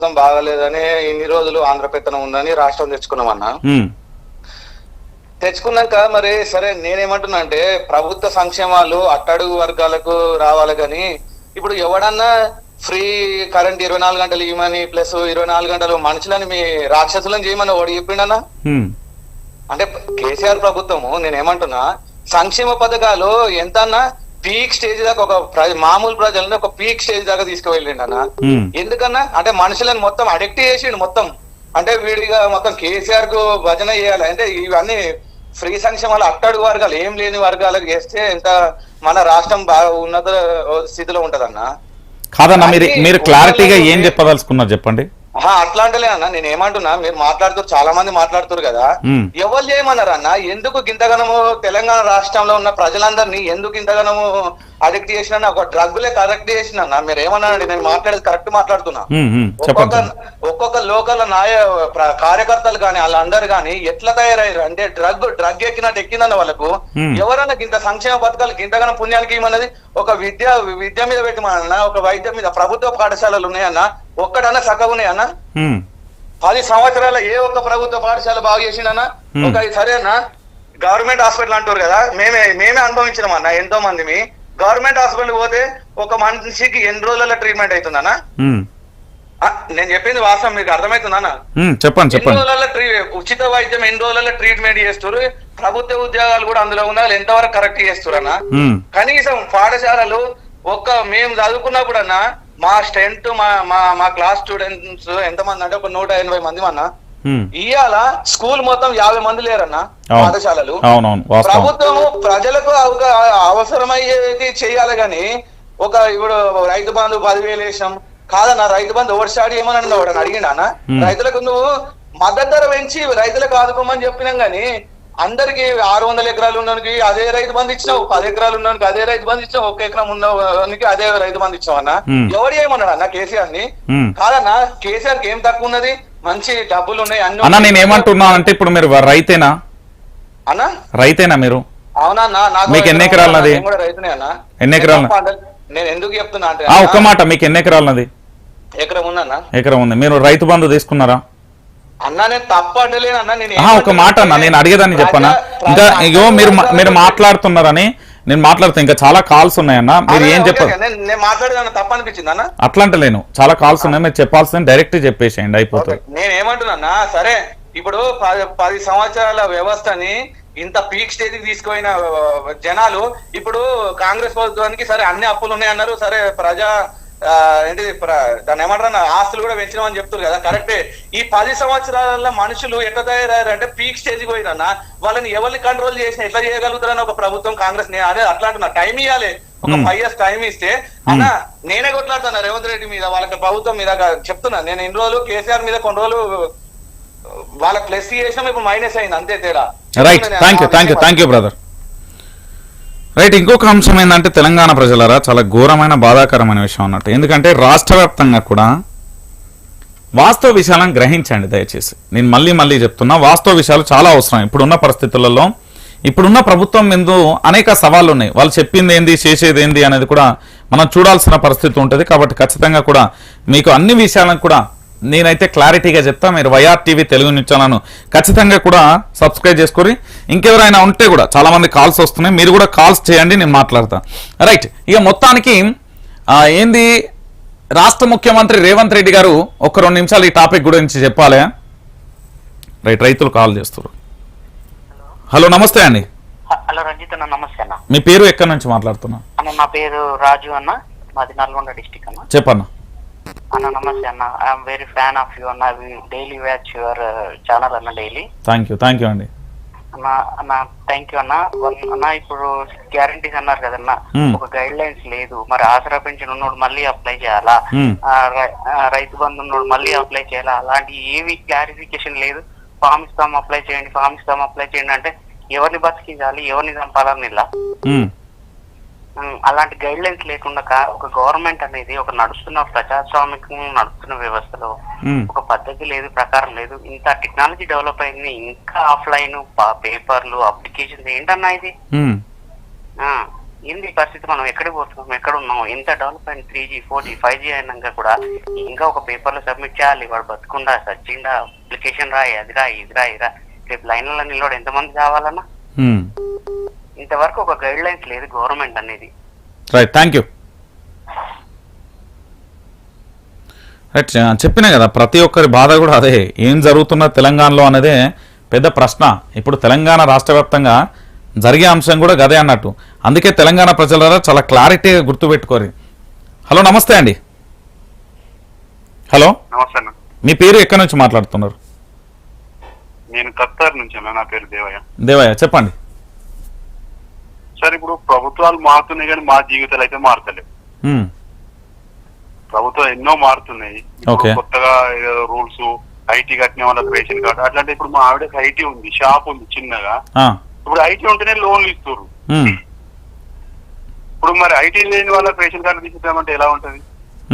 బాగలేదని ఇన్ని రోజులు ఆంధ్ర పెత్తనం ఉందని రాష్ట్రం తెచ్చుకున్నామన్నా. తెచ్చుకున్నాక మరి సరే నేనేమంటున్నా అంటే ప్రభుత్వ సంక్షేమాలు అట్టడుగు వర్గాలకు రావాలి కానీ ఇప్పుడు ఎవడన్నా ఫ్రీ కరెంట్ 24 గంటలు ఇవ్వమని ప్లస్ 24 గంటలు మనుషులని మీ రాక్షసులను చేయమని వాడు చెప్పిండన్నా. అంటే కేసీఆర్ ప్రభుత్వము నేనేమంటున్నా సంక్షేమ పథకాలు ఎంతన్నా పీక్ స్టేజ్ దాకా ఒక మామూలు ప్రజలని ఒక పీక్ స్టేజ్ దాకా తీసుకువెళ్ళిండు అన్న. ఎందుకన్నా అంటే మనుషులను మొత్తం అడిక్ట్ చేసిండు మొత్తం. అంటే వీడిగా మొత్తం కేసీఆర్ కు భజన చేయాలి అంటే ఇవన్నీ ఫ్రీ సంక్షేమాలు అట్టడుగు వర్గాలు ఏం లేని వర్గాలకు చేస్తే ఎంత మన రాష్ట్రం బాగా ఉన్నత స్థితిలో ఉంటదన్నా. కాదన్నా మీరు క్లారిటీగా ఏం చెప్పదలుచుకున్నారు చెప్పండి. అట్లా అంటలే అన్న నేను ఏమంటున్నా మీరు మాట్లాడుతారు చాలా మంది మాట్లాడుతారు కదా ఎవరు చేయమన్నారు అన్న. ఎందుకు ఇంతగానము తెలంగాణ రాష్ట్రంలో ఉన్న ప్రజలందరినీ ఎందుకు ఇంతగానము అడిక్ట్ చేసిన ఒక డ్రగ్లే కరెక్ట్ చేసిన మీరు ఏమన్నానండి నేను మాట్లాడేది కరెక్ట్ మాట్లాడుతున్నా. ఒక్కొక్క లోకల్ కార్యకర్తలు కానీ వాళ్ళందరూ కానీ ఎట్లా తయారయ్యారు అంటే డ్రగ్ ఎక్కినట్టు ఎక్కిందన్న వాళ్ళకు. ఎవరన్నా ఇంత సంక్షేమ పథకాలు ఇంతగానో పుణ్యానికి ఏమన్నది ఒక విద్య మీద పెట్టమన్నా ఒక వైద్యం మీద ప్రభుత్వ పాఠశాలలు ఉన్నాయన్నా ఒక్కడన్నా సగం ఉన్నాయన్నా. 10 సంవత్సరాల ఏ ఒక్క ప్రభుత్వ పాఠశాల బాగా చేసిండన్నా ఒక సరేనా గవర్నమెంట్ హాస్పిటల్ అంటారు కదా మేమే అనుభవించినాం అన్న ఎంతో మంది. గవర్నమెంట్ హాస్పిటల్ పోతే ఒక మనిషికి ఎన్ని రోజుల ట్రీట్మెంట్ అవుతుందన్నా. నేను చెప్పింది వాస్తవం మీకు అర్థమవుతుందన్నా. చెప్పండి ఎన్ని రోజుల ఉచిత వైద్యం ఎన్ని రోజుల ట్రీట్మెంట్ చేస్తారు. ప్రభుత్వ ఉద్యోగాలు కూడా అందులో ఉన్నారు ఎంతవరకు కరెక్ట్ చేస్తారన్నా. కనీసం పాఠశాలలు మేము చదువుకున్నప్పుడు అన్నా మా స్ట్రెంత్ మా క్లాస్ స్టూడెంట్స్ ఎంతమంది అంటే ఒక 180 మంది అన్నా. ఇవాళ స్కూల్ మొత్తం 50 మంది లేరన్నా పాఠశాలలు. ప్రభుత్వము ప్రజలకు అవసరమయ్యేది చెయ్యాలి గాని ఇప్పుడు రైతు బంధు 10,000 వేసాం కాదన్నా. రైతు బంధు ఓవర్ స్టార్ట్ ఏమని అడిగిండా రైతులకు నువ్వు మద్దతు ధర పెంచి రైతులకు ఆదుకోమని చెప్పినాం గానీ అందరికి 600 ఎకరాలు ఉన్నోనికి అదే రైతు బంధు ఇచ్చినావు, 10 ఎకరాలు ఉన్నోనికి అదే రైతు బంధు ఇచ్చినావు, 1 ఎకరం ఉన్నోనికి అదే రైతు బంధు ఇచ్చావు అన్న. ఎవరు ఏమన్నాడు అన్న కేసీఆర్ ని? కాదన్నా కేసీఆర్ కి ఏం తక్కువ ఉన్నది మంచి డబ్బులు ఉన్నాయి అన్ని. అన్న నేను ఏమంటున్నా అంటే ఇప్పుడు మీరు రైతేనా అన్న? రైతేనా మీరు? అవునన్నా. మీకు ఎన్ని ఎకరాలు నది? రైతునే అన్న. ఎన్ని ఎకరాలు? నేను ఎందుకు చెప్తున్నా అంటే ఒక్క మాట మీకు ఎన్ని ఎకరాలు నది? ఎకరం ఉందన్న. ఎకరం ఉంది. మీరు రైతు బంధు తీసుకున్నారా అన్నా? నేను తప్ప అంటలేనన్నా. నేను ఒక మాట అన్నా నేను అడిగేదాన్ని చెప్పనా ఇంకా ఇగో మీరు మాట్లాడుతున్నారని నేను మాట్లాడుతా ఇంకా చాలా కాల్స్ ఉన్నాయన్నా. మీరు ఏం చెప్పారు నేను మాట్లాడేదన్నా తప్ప అనిపించింది అన్న? అట్లా అంటలేను చాలా కాల్స్ ఉన్నాయి మీరు చెప్పాల్సింది డైరెక్ట్ చెప్పేసేయండి అయిపోతుంది. నేను ఏమంటున్నా సరే ఇప్పుడు 10 సంవత్సరాల వ్యవస్థని ఇంత పీక్ స్టేజ్ కి తీసుకుపోయిన జనాలు ఇప్పుడు కాంగ్రెస్ ప్రభుత్వానికి సరే అన్ని అప్పులు ఉన్నాయన్నారు. సరే ఏంటి దాన్ని ఏమంటారు ఆస్తులు కూడా పెంచినామని చెప్తారు కదా కరెక్టే. ఈ 10 సంవత్సరాల మనుషులు ఎట్లా తయారయ్యారు అంటే పీక్ స్టేజ్ పోయినా వాళ్ళని ఎవరిని కంట్రోల్ చేసినా ఎట్లా చేయగలుగుతారని ఒక ప్రభుత్వం కాంగ్రెస్ అదే అట్లా అంటున్నా. టైం ఇవ్వాలి ఒక 5 years టైం ఇస్తే అన్న. నేనే కొట్లాడుతున్నా రేవంత్ రెడ్డి మీద వాళ్ళకి ప్రభుత్వం మీద చెప్తున్నా. నేను ఇన్ని రోజులు కేసీఆర్ మీద కొన్ని రోజులు వాళ్ళకి ప్లస్ చేసినాం ఇప్పుడు మైనస్ అయింది అంతే తేడా. Right thank you brother. Right ఇంకొక అంశం ఏంటంటే తెలంగాణ ప్రజలారా చాలా ఘోరమైన బాధాకరమైన విషయం అన్నట్టు. ఎందుకంటే రాష్ట్ర వ్యాప్తంగా కూడా వాస్తవ విషయాలను గ్రహించండి దయచేసి. నేను మళ్ళీ చెప్తున్నా వాస్తవ విషయాలు చాలా అవసరం. ఇప్పుడున్న పరిస్థితులలో ఇప్పుడున్న ప్రభుత్వం ముందు అనేక సవాళ్ళు ఉన్నాయి. వాళ్ళు చెప్పింది ఏంది చేసేది ఏంది అనేది కూడా మనం చూడాల్సిన పరిస్థితి ఉంటుంది. కాబట్టి ఖచ్చితంగా కూడా మీకు అన్ని విషయాలను కూడా నేనైతే క్లారిటీగా చెప్తా. మీరు వైఆర్ టీవీ తెలుగు న్యూస్ ఛానల్ను ఖచ్చితంగా కూడా సబ్స్క్రైబ్ చేసుకొని ఇంకెవరైనా ఉంటే కూడా చాలా మంది కాల్స్ వస్తున్నాయి మీరు కూడా కాల్స్ చేయండి నేను మాట్లాడతా. రైట్ ఇక మొత్తానికి ఏంది రాష్ట్ర ముఖ్యమంత్రి రేవంత్ రెడ్డి గారు ఒక 2 నిమిషాలు ఈ టాపిక్ గురించి చెప్పాలి. రైట్ రైతులు కాల్ చేస్తారు. హలో నమస్తే అండి. హలో రంజిత్ అన్న. నమస్తే అన్న. మీ పేరు ఎక్కడి నుంచి మాట్లాడుతున్నా? అన్న నా పేరు రాజు అన్న. మాది నల్గొండ డిస్టిక్ అన్న. చెప్పన్నా అన్న. నమస్తే అన్న. I'm very fan of you అన్న. డైలీ వాచ్ యువర్ ఛానల్ అన్న డైలీ. థ్యాంక్ యూ అండి అన్న. థ్యాంక్ యూ అన్న. అన్న ఇప్పుడు గ్యారంటీస్ అన్నారు కదన్నా ఒక గైడ్ లైన్స్ లేదు. మరి ఆసరా పెన్షన్ ఉన్నోడు మళ్ళీ అప్లై చేయాలా, రైతు బంధు ఉన్నోడు మళ్ళీ అప్లై చేయాలా, అలాంటి ఏవి క్లారిఫికేషన్ లేదు. ఫామ్ ఇస్తాం అప్లై చేయండి అంటే ఎవరిని బతికించాలి ఎవరిని చంపాలని ఇలా అలాంటి గైడ్ లైన్స్ లేకుండా ఒక గవర్నమెంట్ అనేది ఒక నడుస్తున్న ప్రజాస్వామికం నడుస్తున్న వ్యవస్థలో ఒక పద్ధతి లేదు ప్రకారం లేదు. ఇంత టెక్నాలజీ డెవలప్ అయింది ఇంకా ఆఫ్లైన్ పేపర్లు అప్లికేషన్స్ ఏంటన్నా ఇది ఏంది ఈ పరిస్థితి, మనం ఎక్కడికి పోతున్నాం, ఎక్కడ ఉన్నాం, ఇంత డెవలప్ అయిన 3G 4G 5G అయినాక కూడా ఇంకా ఒక పేపర్లో సబ్మిట్ చేయాలి, వాడు బతుకుండా సచ్చిండా అప్లికేషన్ రాయి, అది రా ఇది రా ఇరా, రేపు లైన్లలో నిలబడి ఎంతమంది కావాలన్నా. ఇంతవరకు ఒక గైడ్ లైన్స్ లేదు గవర్నమెంట్ అనేది. Right, thank you. రైట్, చెప్పినా కదా ప్రతి ఒక్కరి బాధ కూడా అదే, ఏం జరుగుతున్న తెలంగాణలో అనేదే పెద్ద ప్రశ్న. ఇప్పుడు తెలంగాణ రాష్ట్ర వ్యాప్తంగా జరిగే అంశం కూడా గదే అన్నట్టు. అందుకే తెలంగాణ ప్రజల చాలా క్లారిటీగా గుర్తుపెట్టుకోరు. హలో, నమస్తే అండి. హలో, నమస్తే అన్న. మీ పేరు ఎక్కడి నుంచి మాట్లాడుతున్నారు? నేను ఖత్తర్ నుంచి అన్న. నా పేరు దేవయ్య. దేవయ్య, చెప్పండి. సార్, ఇప్పుడు ప్రభుత్వాలు మారుతున్నాయి కానీ మా జీవితాలు అయితే మారుతలేవు. ప్రభుత్వం ఎన్నో మారుతున్నాయి. ఇప్పుడు కొత్తగా రూల్స్, ఐటీ కట్టిన వాళ్ళకి రేషన్ కార్డు అట్లాంటి. ఇప్పుడు మా ఆవిడకి ఐటీ ఉంది, షాప్ ఉంది చిన్నగా. ఇప్పుడు ఐటీ ఉంటేనే లోన్లు ఇస్తారు. ఇప్పుడు మరి ఐటీ లేని వాళ్ళకి రేషన్ కార్డు తీసుకుంటామంటే ఎలా ఉంటది?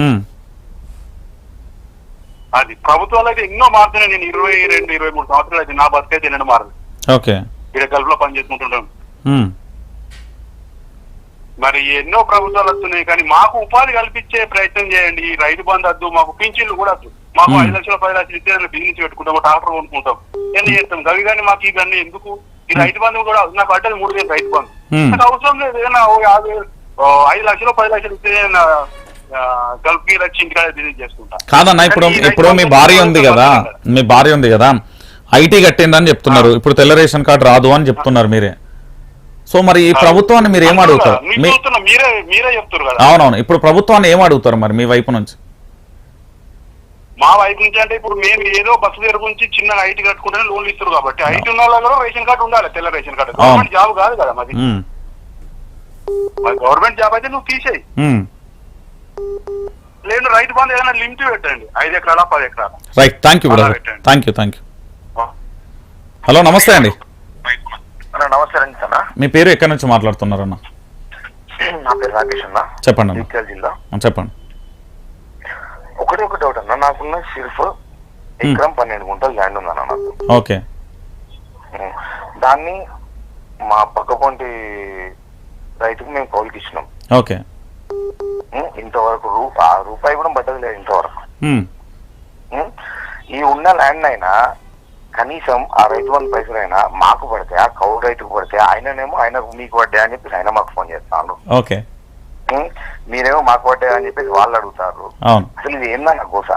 అది ప్రభుత్వాలు అయితే ఎన్నో మారుతున్నాయి. నేను 22-23 సంవత్సరాలు అయితే నా బతుకైతే ఎన్నో మారదు. ఇక్కడ గల్ఫ్లో పని చేసుకుంటుంటాను. మరి ఎన్నో ప్రభుత్వాలు వస్తున్నాయి కానీ మాకు ఉపాధి కల్పించే ప్రయత్నం చేయండి. ఈ రైతు బంధు వద్దు, మాకు పింఛన్లు కూడా వద్దు. మాకు 5 లక్షలు 10 లక్షలు ఇస్తే బిజినెస్ పెట్టుకుంటాం, ట్రాక్టర్ కొనుక్కుంటాం, ఎన్ని చేస్తాం. అవి కానీ మాకు ఇవన్నీ ఎందుకు? ఈ రైతు బంధు కూడా నాకు పడ్డది 3,000 రైతు బంధు. నాకు అవసరం లేదు. ఏదైనా 5 లక్షలు 10 లక్షలు ఇస్తే గల్ఫ్ కి వచ్చి ఇంటికాడ బిజినెస్ చేసుకుంటా. కాదన్నా, ఇప్పుడు మీ భార్య ఉంది కదా, ఐటీ కట్టిందని చెప్తున్నారు. ఇప్పుడు తెల్ల రేషన్ కార్డు రాదు అని చెప్తున్నారు మీరే. సో మరి ఈ ప్రభుత్వాన్ని మీరు ఏం అడుగుతారు? మీరే చెప్తారు కదా. అవునవును, ఇప్పుడు ప్రభుత్వాన్ని ఏం అడుగుతారు మరి మీ వైపు నుంచి? మా వైపు నుంచి అంటే ఇప్పుడు మేము ఏదో బస్సు దగ్గర గురించి చిన్న ఐటీ కట్టుకుంటేనే లోన్లు ఇస్తారు కాబట్టి ఐటీ ఉన్న వాళ్ళ రేషన్ కార్డు ఉండాలి, తెల్ల రేషన్ కార్డు. గవర్నమెంట్ జాబ్ కాదు కదా మాది. గవర్నమెంట్ జాబ్ అయితే నువ్వు తీసేయి. లేదు రైతు బంధు ఏదైనా లిమిట్ పెట్టండి, 5 ఎకరాల 10 ఎకరాల. Right, thank you brother, thank you. Hello, నమస్తే అండి. నమస్తే అండి అన్న. మీ పేరు ఎక్కడి నుంచి మాట్లాడుతున్నారన్న? నా పేరు రాకేష్ అన్న. చెప్పండి అన్న. జగిత్యాల జిల్లా. చెప్పండి. ఒకటి డౌట్ అన్న, నాకున్న సిర్ఫ్ ఎకరం 12 గుంటలు ల్యాండ్ ఉందన్న నాకు. ఓకే. దాన్ని మా పక్కపొంటి రైతుకు మేము కౌలుకి ఇచ్చినాం. ఓకే. ఇంతవరకు రూపాయి కూడా పడ్డది లేదు ఇంతవరకు. ఈ ఉన్న ల్యాండ్ అయినా కనీసం ఆ రైతు బంధు పైసలైనా మాకు పడితే, ఆ కౌలు రైతుకు పడితే, ఆయనకు మీకు పడ్డా అని చెప్పేసి ఆయన మాకు ఫోన్ చేస్తాను. ఓకే. మీరేమో మాకు పడ్డా అని చెప్పేసి వాళ్ళు అడుగుతారు. అసలు ఇది ఏందన్న గోస?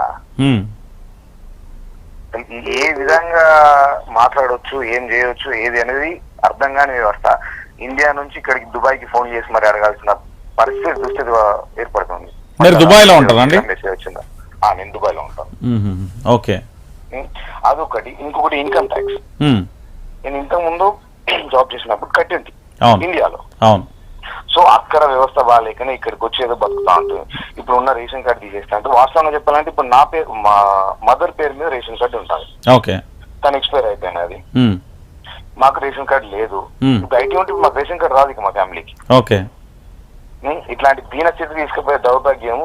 ఏ విధంగా మాట్లాడొచ్చు, ఏం చేయొచ్చు, ఏది అనేది అర్థం కాని వ్యవస్థ. ఇండియా నుంచి ఇక్కడికి దుబాయ్కి ఫోన్ చేసి మరి అడగాల్సిన దుస్థితి ఏర్పడుతుంది. మీరు దుబాయ్ లో ఉంటారండి? మెసేజ్ వచ్చిందా? నేను దుబాయ్ లో ఉంటాను. ఓకే. అదొకటి. ఇంకొకటి ఇన్కమ్ ట్యాక్స్. నేను ఇంతకు ముందు జాబ్ చేసినప్పుడు కట్టింది ఇండియాలో. సో అక్కడ వ్యవస్థ బాగాలేకనే ఇక్కడికి వచ్చి ఏదో బతుకుతా ఉంటుంది. ఇప్పుడు ఉన్న రేషన్ కార్డు తీసేస్తా అంటే వాస్తవంగా చెప్పాలంటే ఇప్పుడు నా పేరు, మా మదర్ పేరు మీద రేషన్ కార్డు ఉంటుంది. ఓకే. తను ఎక్స్పైర్ అయిపోయింది. అది మాకు రేషన్ కార్డు లేదు. ఇప్పుడు ఐటీ ఉంటే మాకు రేషన్ కార్డు రాదు ఇక మా ఫ్యామిలీకి. ఓకే. ఇట్లాంటి దీన స్థితి తీసుకుపోయే దౌర్భాగ్యము.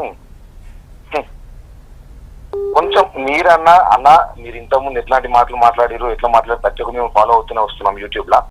కొంచెం మీరన్నా మీరు ఇంతకుముందు ఎట్లాంటి మాటలు మాట్లాడారు, ఎట్లా మాట్లాడి ప్రతి ఒక్క మేము ఫాలో అవుతూనే వస్తున్నాం యూట్యూబ్ లా.